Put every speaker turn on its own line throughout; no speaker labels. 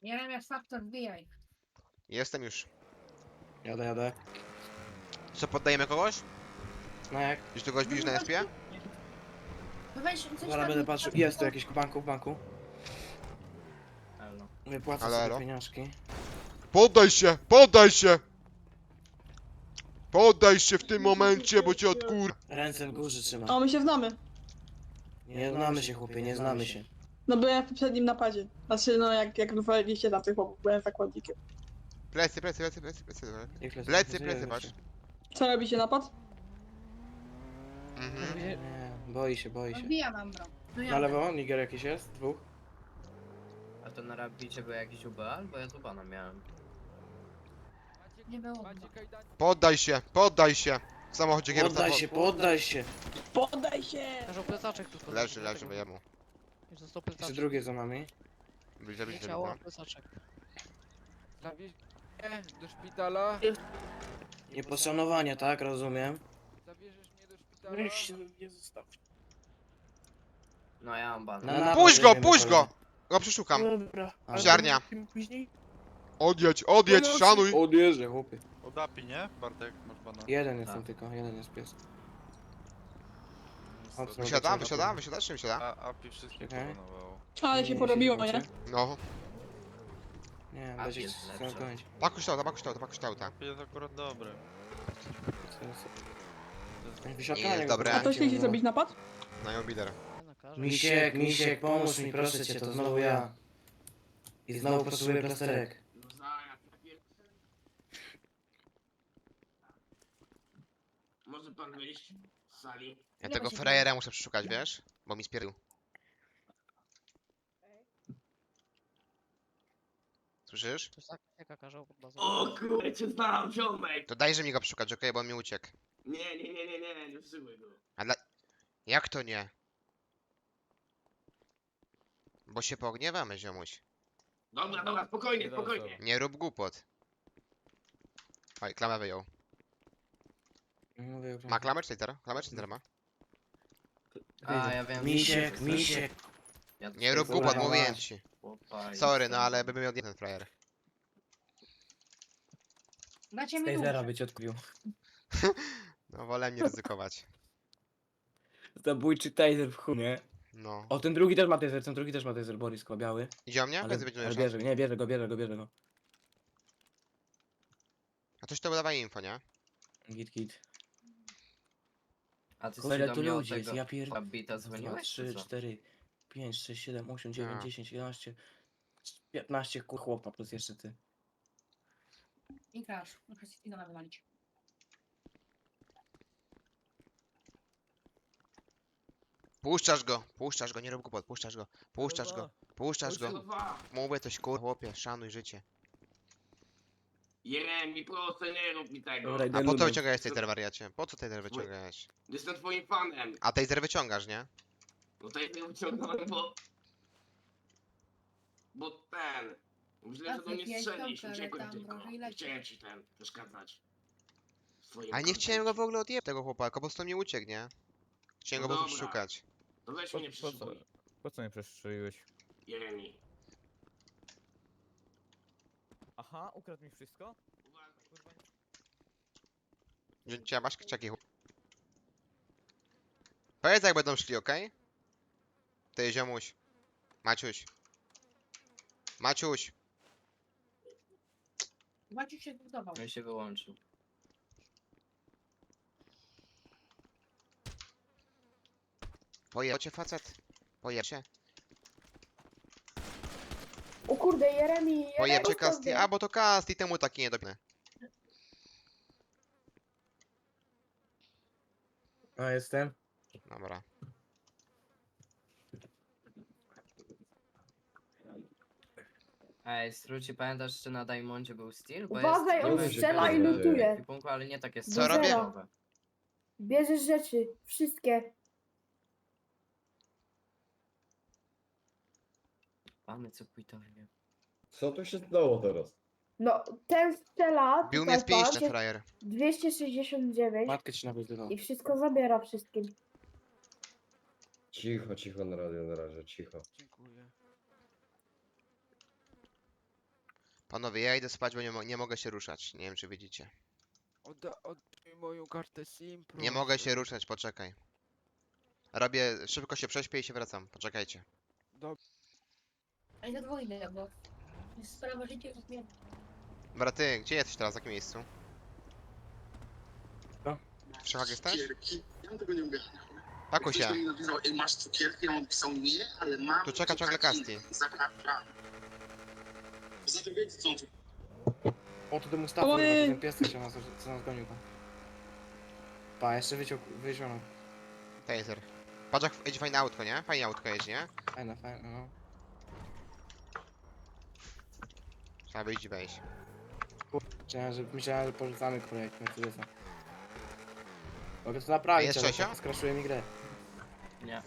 Jeremiasz Faktor, wbijaj.
Jestem już.
Jadę.
Co, poddajemy kogoś?
No jak?
Już tu kogoś widzisz na SP?
No weź coś
Zaraz
tam-
będę patrzył. Jest tu jakiś w banku.
Elo.
Wypłacę
Halo,
sobie
halo?
pieniążki.
Poddaj się! Poddaj się! Poddaj się w tym momencie, bo cię odkur...
Ręce w górze trzymaj.
O, my się znamy.
Nie znamy się, chłopie, nie znamy się.
No byłem w poprzednim napadzie. Znaczy, no jak wywaliliście na tych chłopów, byłem zakładnikiem.
Plecy.
Jak
Plecy, patrz.
Co robicie, napad?
Mhm.
Nie, boi się.
Wbijam mam bro. No
Na
ja
lewo, Niger jakiś jest? Dwóch?
A to na rabicie był jakiś UBA? Albo ja tu bana miałem.
nie było.
Poddaj się! W samochodzie kierowca...
Poddaj się.
Podaj się!
Leżał plecaczek tu.
Leży, wyjemu.
Już został
Jeszcze
plecaczek.
drugie za nami.
Bliżej,
Nie
bliżej,
ciało,
no.
plecaczek.
Zawieź mnie do szpitala.
Nie poszanowanie, tak? Rozumiem.
Zabierzesz mnie do szpitala.
nie zostaw.
No ja mam bana.
Na napad
Puść go,
jedziemy,
puść go!
kolego.
Go przeszukam.
Dobra.
Ziarnia. Odjedź, szanuj!
Odjeżdżę, chłopie.
Odapi, nie? Bartek, masz bana.
Jeden jest
Tak.
tam tylko, jeden jest pies. Mocno
Wysiadam,
wyciąga.
wysiadasz czy wysiada?
A Api wszystko
Czekaj.
pobanowało.
Ale się porobiło, nie?
No.
Nie,
A,
będzie
jest
chciał
lepsze.
kończyć.
Pakuś to.
Api jest akurat dobry.
Jest dobre.
A to chcieliście zrobić napad?
Na ją bider.
Nie na karze.
Misiek, pomóż mi, proszę cię, to znowu ja. I znowu potrzebuję plasterek.
Może pan wyjść z sali?
Ja
Nie
tego
ma się
frajera muszę przeszukać, wiesz? Bo mi spierdolił. Słyszysz?
Coś tak jak kazał pod bazą.
O kurde, cię znam, ziomek!
To dajże mi go przeszukać, okej, bo on mi uciekł.
Nie wsyłuj go.
Jak to nie? Bo się pogniewamy, ziomuś.
Dobra, spokojnie.
Nie rób głupot. Oj, klamę wyjął.
Mówię,
Ma klamę czy Taser? Klamę czy Taser ma?
A, ja wiem.
Misiek.
Ja tu
Nie rób
sobie
głupot,
Dobra,
mówiłem
masz.
ci.
chłopa i-
Sorry, no ale bym miał jeden frajer.
Dacie mi nóż.
by cię odkupił.
No wolę nie ryzykować.
Zabójczy taser w chuj, nie?
No.
O, ten drugi też ma taser, Boris, chyba biały.
Idzie o mnie?
Ale,
Będzie będzie
ale
mieszał.
bierze go.
A coś to dawaj info, nie?
Git.
A ty
Kurde,
się
tu
do mnie od
ludzie jest,
tego
ja pier...
Rabita
2,
dzwoniłeś,
3,
czy co?
4, 5, 6, 7, 8, 9,
A.
10, 11, 15 chłopa plus jeszcze ty.
I crash. Muszę się Idona wywalić.
Puszczasz go, nie rób głupot, puszczasz go.
Dwa.
Mówię coś chłopie, szanuj życie.
Jeremi, proszę, nie rób mi tego.
Dobra,
A
idę
po to
ludem.
wyciągałeś taser wariacie? Po co taser wyciągałeś?
Jestem twoim fanem.
A taser wyciągasz, nie?
No to ja nie wyciągnąłem, bo ten... Myślę, że do mnie
Tacy
strzelisz,
piękną,
uciekłem
ale tam
tylko.
drożej
Nie
leci.
chciałem ci przeszkadzać. W twoim
Ale nie chciałem go w
kontencie.
ogóle odjebać tego chłopaka, po prostu mi uciekł, nie? Chciałem
No
go po prostu
dobra.
szukać.
To weź
Po-
mnie
po co?
przeszukuj,
Po co mnie przestrzeliłeś?
Jeremi.
Aha, ukradł mi wszystko?
Cię masz czeki chłop. Powiedz jak będą szli, okej? Ty ziomuś. Maciuś.
Maciuś się zbudował.
No i się wyłączył.
Pojeb cię facet. Pojeb cię.
O kurde, Jeremi,
Pojeb cię Casti. A bo to Casti, temu taki niedobny.
A, jestem.
Dobra.
Ej, Struci, pamiętasz, czy na Diamondzie był Steel? Bo
Uważaj,
jest,
on
niby
strzela
w
i lutuje.
ekwipunku, ale nie takie
Co robię?
standardowe.
Bierzesz rzeczy, wszystkie.
Mamy co pójtowie.
Co tu się stało teraz?
No, ten strzela,
Bił
tutaj
mnie z pięści
patrz,
ten frajer.
269
Matkę ci nawyzywał.
i wszystko zabiera wszystkim.
Cicho na radio na razie, cicho.
Dziękuję.
Panowie, ja idę spać, bo nie mogę się ruszać. Nie wiem, czy widzicie.
Oddaj moją kartę SIM, proszę.
Nie mogę się ruszać, poczekaj. Robię, szybko się prześpię i się wracam. Poczekajcie.
A i za dwójne, bo jest sprawa życia i śmierci.
Dobra, ty, gdzie jesteś teraz? W jakim miejscu?
Co?
W Szachach jesteś?
Ja tego nie ogarniam.
Pakuj się.
Ktoś mi napisał, ej, masz cukierki? Ja mu pisał nie, ale mam.
Tu czeka ciągle Kasti.
Zapraszam. Poza tym wiecie, co on tu...
O, to ten Mustafa,
Oj.
kurwa, to ten pies, co nas gonił tam. Pa, jeszcze wyciągnął.
Taser. Patrz jak jedzie fajne autko, nie? Fajne autko jeździ, nie?
Fajne, no.
Trzeba wyjść i wejść.
Myślałem, że porzucamy projekt Mercedesa. Mogę to naprawić,
jest
ale
Czesio?
tak skraszuje mi grę.
Nie.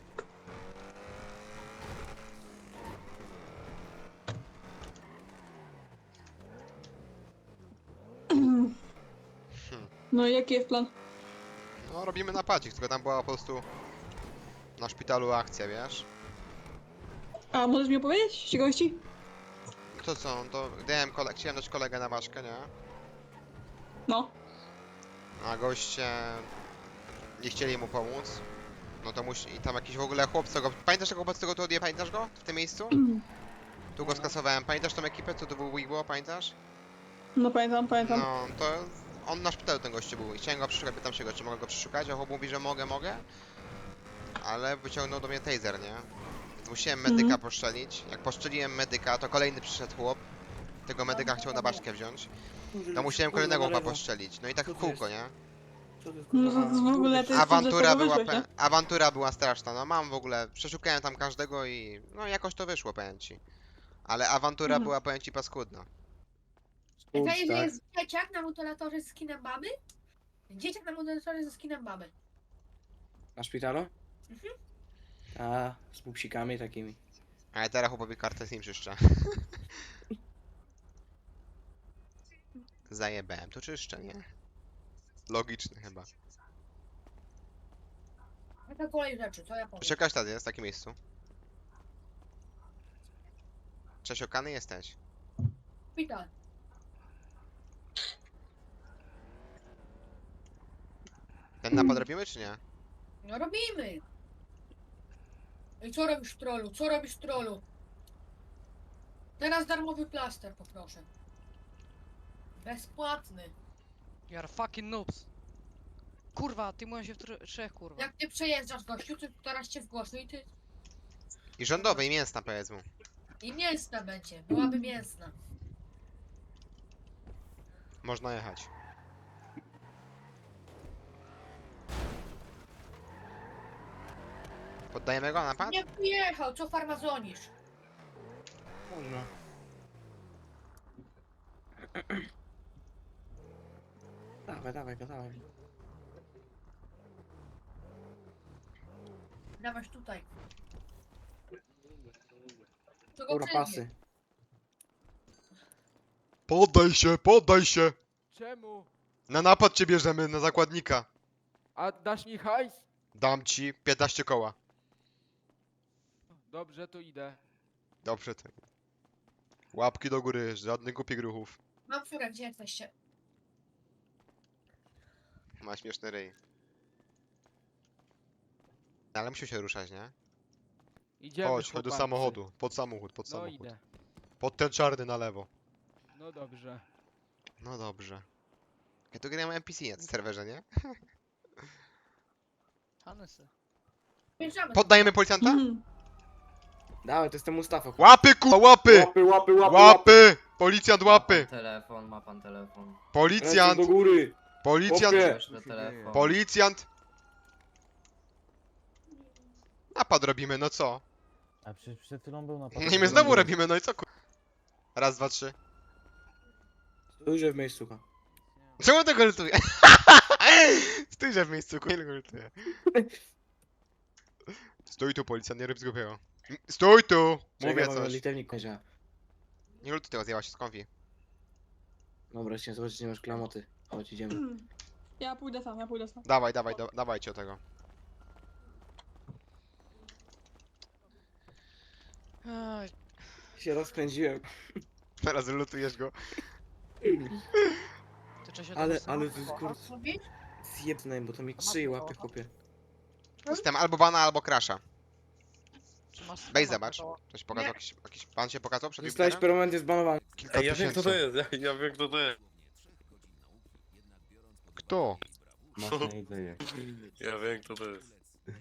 No i jaki jest plan?
No, robimy napadzik, tylko tam była po prostu na szpitalu akcja, wiesz?
A możesz mi opowiedzieć ciekawości?
Kto co? No to chciałem dać kolegę na ważkę, nie?
No.
A goście nie chcieli mu pomóc. No to i tam jakiś w ogóle chłopca go... Pamiętasz tego chłopca, co tu odje? Pamiętasz go? W tym miejscu? Tu go skasowałem. Pamiętasz tą ekipę, co tu był Wigbo? Pamiętasz?
No pamiętam.
No, to on na szpitalu ten gościu był i chciałem go przeszukać, pytam się go, czy mogę go przeszukać, a chłop mówi, że mogę. Ale wyciągnął do mnie taser, nie? Więc musiałem medyka poszczelić. Jak poszczeliłem medyka, to kolejny przyszedł chłop. Tego medyka chciał na baszkę wziąć. To musiałem kolejnego chłopa poszczelić. No i tak w kółko, nie?
No to w ogóle to jest
Awantura była,
wyszłeś, nie?
awantura była straszna, no mam w ogóle, przeszukałem tam każdego i no jakoś to wyszło, powiem ci. Ale awantura była, powiem ci, paskudna.
Wiedziałeś, że jest dzieciak na mutulatorze z skinem baby? Dzieciak na mutulatorze ze skinem baby.
Na szpitalu? A, z pupsikami takimi.
Ale teraz chłopowi kartę SIM czyszczę. Zajebałem, to czyszczę, nie? Logiczne chyba.
Jaka kolej rzeczy, co ja powiem?
Jeszcze każdy jest w takim miejscu. Czesiokany jesteś.
Szpital.
Ten napad robimy czy nie?
No robimy. I co robisz, trollu? Co robisz, trollu? Teraz darmowy plaster poproszę. Bezpłatny.
You are fucking noobs. Kurwa, ty mówisz się w trzech, kurwa.
Jak ty przejeżdżasz, gościu, to teraz cię wgłoszę i ty...
I rządowej, mięsna powiedz mu.
I mięsna będzie. Byłaby mięsna.
Można jechać. Poddajemy go na napad?
Nie pojechał, co farmazonisz?
Można. Dawaj go.
Dawać tutaj. To go
Dobra,
celnie.
pasy.
Poddaj się!
Czemu?
Na napad cię bierzemy, na zakładnika.
A dasz mi hajs?
Dam ci 15 koła.
Dobrze, to idę.
Dobrze ty. Łapki do góry, żadnych głupich ruchów.
Mam furę, gdzie jesteście?
Ma śmieszny ryj. Ale musi się ruszać, nie?
Idziemy,
Chodź do
chłopacy.
samochodu. Pod samochód.
No idę.
Pod ten czarny na lewo.
No dobrze.
No dobrze. Ja tu gram NPC na tym serwerze, nie?
Hanesy.
Wjeżdżamy.
Poddajemy policjanta?
Dawaj, to jest ten Mustafa.
Łapy ku... Łapy!
Łapy!
Policjant
Ma
łapy!
pan telefon, ma pan telefon.
Policjant!
do góry.
Policjant!
Łapie.
Proszę telefon.
Policjant! Napad robimy, no co?
A przed chwilą był napad.
No i my znowu robimy, no i co ku... Raz, dwa, trzy.
Stójże w miejscu.
Czemu to goltuje? Stójże w miejscu, nie goltuje. Stój tu, policjant, nie rób zgubiego. Stój tu! Mówię
Czekaj,
coś.
litewnik kończy.
Nie goltuj tego, zjęła się z konfi.
Dobra, chciałem zobaczyć, nie masz klamoty. Chodź, idziemy.
Ja pójdę sam.
Dawajcie o tego.
Aj,
Się rozkręciłem.
Teraz lutujesz go.
Tyczę się
Ale,
do
ale to jest kur...
Lubisz?
Zjebnę, bo to mi 3 łapie, chłopie.
System albo bana, albo crasha.
Czy masz
Weź
schema
zobacz.
tego?
Ktoś pokazał jakiś pan się pokazał przed
Zostałeś
Jupiterem?
permanentnie zbanowany.
Kilka tysięcy.
jest, ja wiem kto to jest.
Kto?
Masz na jedzenie.
Ja wiem kto to jest.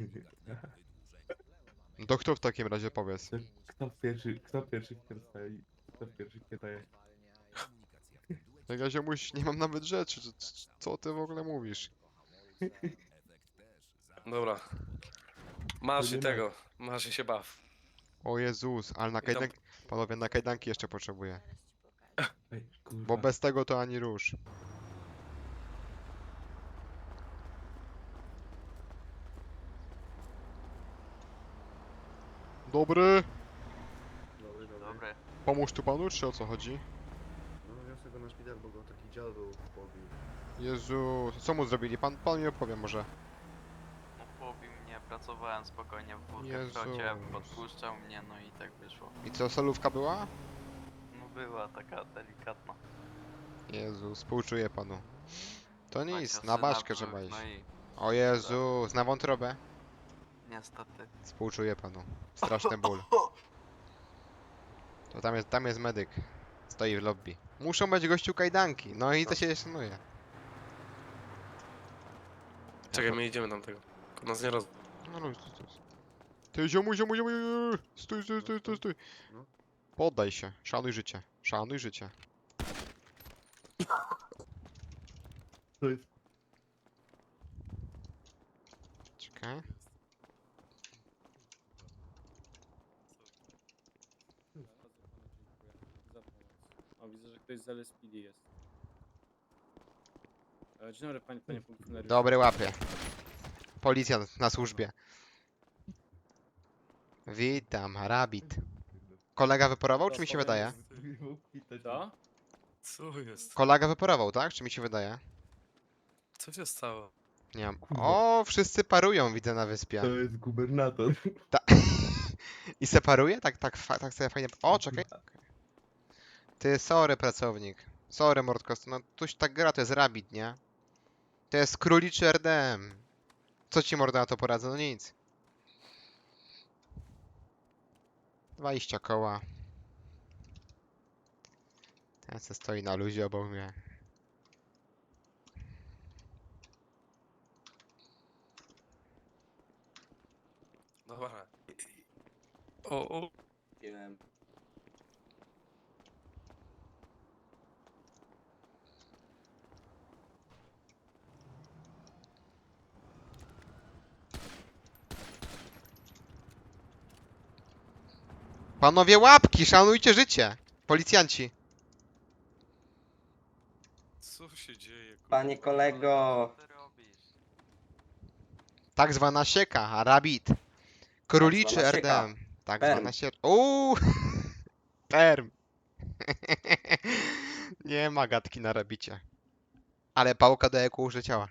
No to kto w takim razie powiedz?
Kto pierwszy wstaje? Kto pierwszy pytaje?
Jak ja ziomuś, nie mam nawet rzeczy, co ty w ogóle mówisz?
Dobra. Masz i tego, masz i się baw.
O Jezus, ale na
I tam-
kajdanki, panowie, na kajdanki jeszcze potrzebuję.
Ej, kurwa.
Bo bez tego to ani rusz. Dobry!
Dobry.
Pomóż tu panu, czy o co chodzi?
No wiosę go na szpital, bo go taki dziad był pobił.
Jezu, co mu zrobili? Pan mi opowie może.
Pobił mnie, pracowałem spokojnie w
Jezus.
podpuszczał mnie, no i tak wyszło.
I co, solówka była?
No była taka delikatna.
Jezu, współczuję panu. To nic,
Taka
na
syna
baszkę
brzuch,
trzeba iść.
No i
O Jezus, na wątrobę?
niestety.
Współczuję panu. Straszny ból. To tam jest medyk. Stoi w lobby. Muszą być gościu kajdanki, no i to się szanuje.
Czekaj, my idziemy tam tego. Nas nie roz...
No, no, stój. Ty ziomu. Stój.
No.
Poddaj się, szanuj życie. Szanuj życie.
To jest...
Czekaj.
O, widzę, że ktoś z LSPD jest. Dzień dobry, panie funkcjonariuszu.
Dobry łapie. Policjant na służbie. Witam, Rabbit. Kolega wyporował, czy mi się wydaje?
Co?
Co jest?
Kolega wyporował, tak? Czy mi się wydaje?
Co się stało?
Nie mam.
Kurwa.
O, wszyscy parują, widzę na wyspie.
To jest gubernator.
I separuje? Tak sobie fajnie. O, czekaj. Ty, sorry, pracownik. Sorry, Mordkost. No, tuś tak gra, to jest Rabbit, nie? To jest króliczy RDM. Co ci morda na to poradzę? No nic. 20 koła. Ten co stoi na luzie obok mnie.
Dobra. O.
Panowie łapki, szanujcie życie! Policjanci.
Co się dzieje? kurwa?
Panie kolego.
Co ty robisz?
Tak zwana sieka, Rabbit. Króliczy
zwana sieka.
RDM. Tak
Perm.
zwana sieka. Uuu! Perm. Nie ma gadki na Rabbicie. Ale pałka do EQ użyciała.